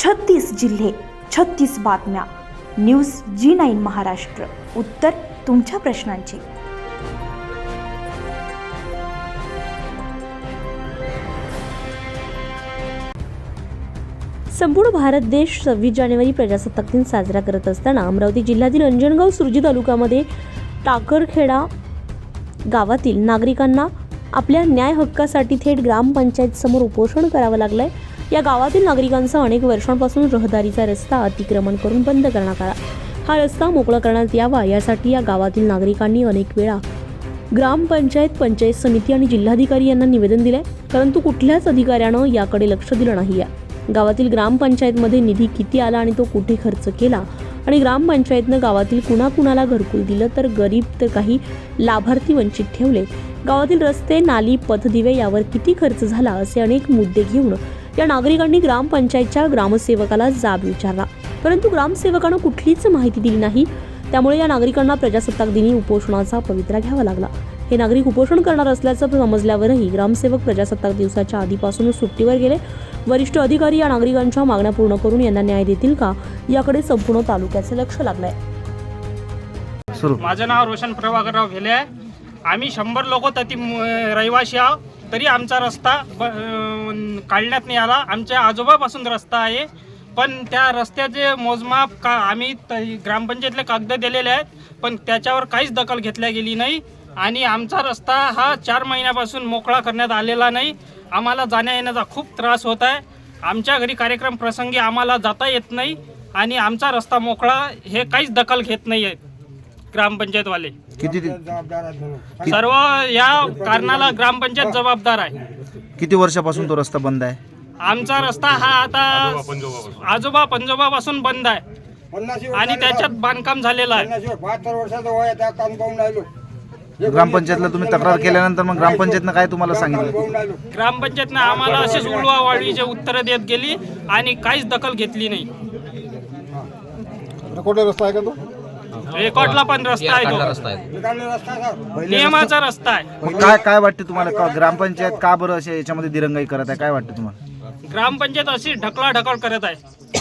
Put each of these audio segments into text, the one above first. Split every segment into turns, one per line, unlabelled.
36 जिल्हे, 36 बातम्या. News G9 Maharashtra. उत्तर तुमच्या प्रश्नांची.
संपूर्ण भारत देश 26 जानेवारी प्रजासत्ताक दिन साजरा करत असताना अमरावती जिल्ह्यातील अंजनगाव सुरजी तालुक्यामध्ये टाकरखेडा गावातील नागरिकांना आपल्या न्याय हक्कासाठी थेट ग्रामपंचायत समोर उपोषण करावं लागलंय. या गावातील नागरिकांचा अनेक वर्षांपासून रहदारीचा रस्ता अतिक्रमण करून बंद करण्यात आला. हा रस्ता मोकळा करण्यात यावा यासाठी या गावातील नागरिकांनी अनेक वेळा ग्रामपंचायत, पंचायत समिती आणि जिल्हाधिकारी यांना निवेदन दिले, परंतु कुठल्याच अधिकाऱ्यानं याकडे लक्ष दिलं नाही. गावातील ग्रामपंचायतमध्ये निधी किती आला आणि तो कुठे खर्च केला आणि ग्रामपंचायतनं गावातील कुणाकुणाला घरकुल दिलं तर गरीब तर काही लाभार्थी वंचित ठेवले, गावातील रस्ते, नाली, पथदिवे यावर किती खर्च झाला असे अनेक मुद्दे घेऊन या नागरिकांनी ग्रामपंचायतच्या ग्रामसेवकाला जाब विचारला, परंतु ग्रामसेवकानं कुठलीच माहिती दिली नाही. त्यामुळे या नागरिकांना प्रजासत्ताक दिनी उपोषणाचा पवित्रा घ्यावा लागला. हे नागरिक उपोषण करणार असल्याचं समजल्यावरही ग्रामसेवक प्रजासत्ताक दिवसाच्या आधीपासूनच सुट्टीवर गेले. वरिष्ठ अधिकारी या नागरिकांच्या मागण्या पूर्ण करून यांना न्याय देतील का याकडे संपूर्ण तालुक्याचे लक्ष लागलंय.
माझं नाव रोशन प्रभाकरराव भेले आहे. आम्ही 100 लोक तरी रहिवासी आहोत, तरी आमचा रस्ता काढण्यात नाही आला. आमच्या आजोबापासून रस्ता आहे, पण त्या रस्त्याचे मोजमाप आम्ही ग्रामपंचायतले कागद दिलेले आहेत, पण त्याच्यावर काहीच दखल घेतल्या गेली नाही. आणि आमचा रस्ता हा 4 महिन्यापासून मोकळा करण्यात आलेला नाही. आम्हाला जाण्या येण्याचा खूप त्रास होत आहे. आमच्या घरी कार्यक्रम प्रसंगी आम्हाला जाता येत नाही आणि आमचा रस्ता मोकळा हे काहीच दखल घेत नाही आहेत ग्रामपंचायतवाले. सर्व या कारणाला ग्रामपंचायत जबाबदार आहे.
किती वर्षापासून तो रस्ता बंद आहे?
आमचा रस्ता हा आता आजोबा पंजोबापासून बंद आहे आणि त्याच्यात बांधकाम झालेलं आहे.
ग्रामपंचायतला तुम्ही तक्रार केल्यानंतर मग ग्रामपंचायतनं काय तुम्हाला सांगितलं?
ग्रामपंचायतनं आम्हाला असेच उलवावाळीचे उत्तरं देत गेली आणि काहीच दखल घेतली नाही.
रस्ता आहे का तो?
रेकॉर्डला पण रस्ता आहे, तो नियमाचा रस्ता आहे.
मग काय वाटते तुम्हाला, ग्रामपंचायत का बरं असे याच्यामध्ये दिरंगाई करत आहे? काय वाटतं तुम्हाला?
ग्रामपंचायत अशी ढकलाढकल करत आहे.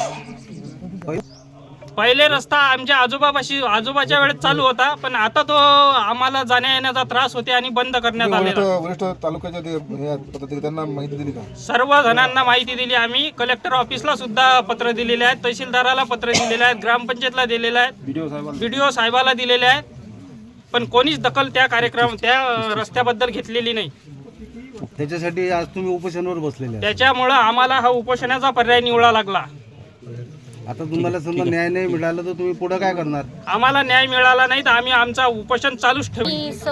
पहिले रस्ता आमच्या आजोबाच्या वेळेत चालू होता, पण आता तो आम्हाला जाण्या येण्याचा त्रास होते आणि बंद करण्यात आलेला.
वरिष्ठ तालुक्याच्या त्यांना माहिती दिली का?
सर्व जणांना माहिती दिली. आम्ही कलेक्टर ऑफिसला सुद्धा पत्र दिलेले आहेत, तहसीलदाराला पत्र दिलेले आहेत, ग्रामपंचायतला दिलेले आहेत, BDO साहेबाला दिलेले आहेत, पण कोणीच दखल त्या रस्त्याबद्दल घेतलेली नाही.
त्याच्यासाठी आज तुम्ही उपोषणावर बसलेले.
त्याच्यामुळं आम्हाला हा उपोषणाचा पर्याय निवडा लागला.
आता तुम्हाला समजा न्याय नाही मिळाला तर तुम्ही पुढे काय करणार?
आम्हाला न्याय मिळाला नाही तर आम्ही आमचा उपोषण चालूच ठेवू.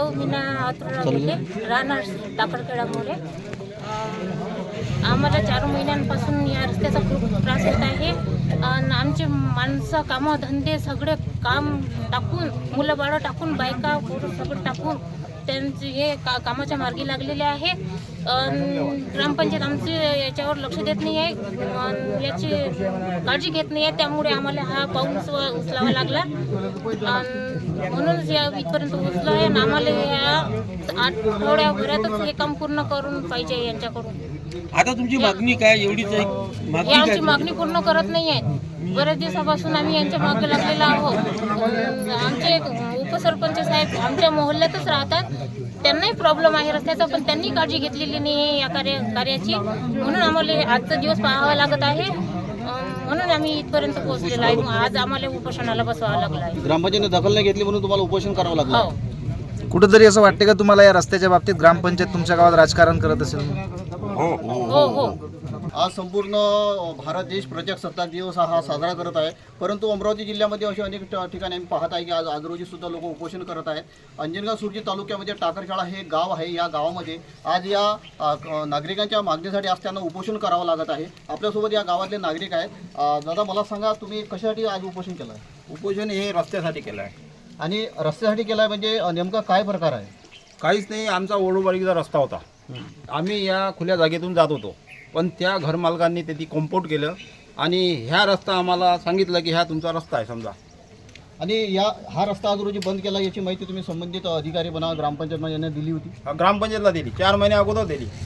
राहणार टाकरखेडामुळे आम्हाला 4 महिन्यांपासून या रस्त्याचा खूप त्रास होत आहे. आमचे माणसं कामं धंदे सगळे काम टाकून, मुलं बाळं टाकून, बायका पोरं सगळं टाकून त्यांचे हे कामाच्या मार्गी लागलेले आहे. ग्रामपंचायत आमचे याच्यावर लक्ष देत नाही आहे, याची काळजी घेत नाही आहे. त्यामुळे आम्हाला हा पाऊल उचलावा लागला. म्हणूनच या इथपर्यंत उचला आहे आणि आम्हाला या आठवड्याभरातच हे काम पूर्ण करून पाहिजे यांच्याकडून.
आता तुमची मागणी काय? एवढीच
हे आमची मागणी पूर्ण करत नाही आहेत. बऱ्याच दिवसापासून आम्ही यांच्या मागे लागलेलो आहोत. आमचे उपसरपंच साहेब आमच्या मोहल्ल्यातच राहतात, त्यांनाही प्रॉब्लेम आहे रस्त्याचा, पण त्यांनी काळजी घेतलेली नाही आहे या कार्याची. म्हणून आम्हाला आजचा दिवस पाहावा लागत आहे. म्हणून आम्ही इथपर्यंत पोहोचलेलो आहे. आज आम्हाला उपोषणाला बसवावं लागलं आहे.
ग्रामपंचायतीने दखल नाही घेतली म्हणून तुम्हाला उपोषण करावं लागलं.
हो.
कुठंतरी असं वाटते का तुम्हाला या रस्त्याच्या बाबतीत ग्रामपंचायत तुमच्या गावात राजकारण करत असेल?
हो हो.
आज संपूर्ण भारत देश प्रजासत्ताक दिवस हा साजरा करत आहे, परंतु अमरावती जिल्ह्यामध्ये असे अनेक ठिकाणी आम्ही पाहत आहे की आज रोजी सुद्धा लोक उपोषण करत आहेत. अंजनगाव सुरजी तालुक्यामध्ये टाकरखेडा हे गाव आहे. या गावामध्ये आज या नागरिकांच्या मागणीसाठी आज त्यांना उपोषण करावं लागत आहे. आपल्यासोबत या गावातले नागरिक आहेत. दादा, मला सांगा, तुम्ही कशासाठी आज उपोषण केलं आहे?
उपोषण हे रस्त्यासाठी केलं आहे.
आणि रस्त्यासाठी केलं आहे म्हणजे नेमका काय प्रकार आहे?
काहीच नाही. आमचा ओढोबारीचा रस्ता होता. आम्ही या खुल्या जागेतून जात होतो, पण त्या घरमालकांनी त्याची कॉम्पाऊंड केलं आणि ह्या रस्ता आम्हाला सांगितलं की ह्या तुमचा रस्ता आहे समजा.
आणि हा रस्ता आज रोजी बंद केला याची माहिती तुम्ही संबंधित अधिकारी ग्रामपंचायत यांना दिली होती?
ग्रामपंचायतला दिली, 4 महिने अगोदर दिली.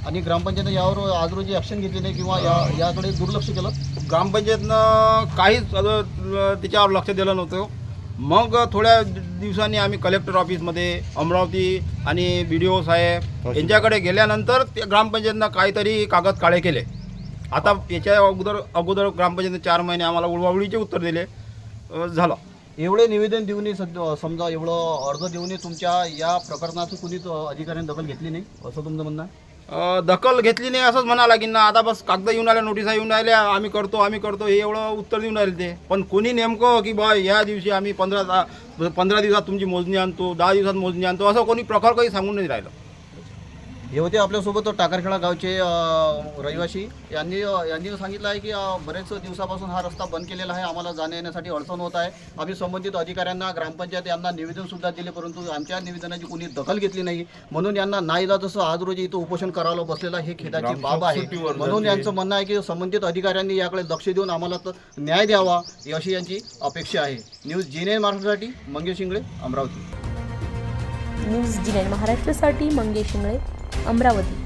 आणि ग्रामपंचायतीने यावर आज रोजी ॲक्शन घेतली नाही किंवा याकडे दुर्लक्ष केलं.
ग्रामपंचायतनं काहीच त्याच्यावर लक्ष दिलं नव्हतं. मग थोड्या दिवसांनी आम्ही कलेक्टर ऑफिसमध्ये अमरावती आणि BDO साहेब यांच्याकडे गेल्यानंतर ते ग्रामपंचायतनं काहीतरी कागद काळे केले. आता याच्या अगोदर ग्रामपंचायतीने 4 महिने आम्हाला उडवाउडीचे उत्तर दिले. झालं.
एवढे निवेदन देऊनही समजा एवढं अर्ज देऊनही तुमच्या या प्रकरणाची कुणीच अधिकाऱ्यांनी दखल घेतली नाही असं तुमचं म्हणणं आहे?
दखल घेतली नाही असंच म्हणा लागेल ना. आता बस कागद येऊन आल्या, नोटिसा येऊन राहिल्या, आम्ही करतो हे एवढं उत्तर देऊन राहिले ते. पण कोणी नेमकं की बा या दिवशी आम्ही 15 दिवसात तुमची मोजणी आणतो, 10 दिवसात मोजणी आणतो, असं कोणी प्रकार काही सांगून नाही राहिलं.
हे होते आपल्यासोबत टाकरखेडा गावचे रहिवासी. यांनी सांगितलं आहे की बरेच दिवसापासून हा रस्ता बंद केलेला आहे, आम्हाला जाण्या येण्यासाठी अडचण होत आहे. आम्ही संबंधित अधिकाऱ्यांना, ग्रामपंचायत यांना निवेदनसुद्धा दिले, परंतु आमच्या निवेदनाची कोणी दखल घेतली नाही. म्हणून यांना नाईलाज जसं आज रोजी इथं उपोषण करायला बसलेलं हे खेदाची बाब आहे. म्हणून यांचं म्हणणं आहे की संबंधित अधिकाऱ्यांनी याकडे लक्ष देऊन आम्हाला न्याय द्यावा अशी यांची अपेक्षा आहे. न्यूज G9 महाराष्ट्रासाठी मंगेश शिंगळे, अमरावती.
न्यूज G9 महाराष्ट्रासाठी मंगेश शिंगळे, अमरावती.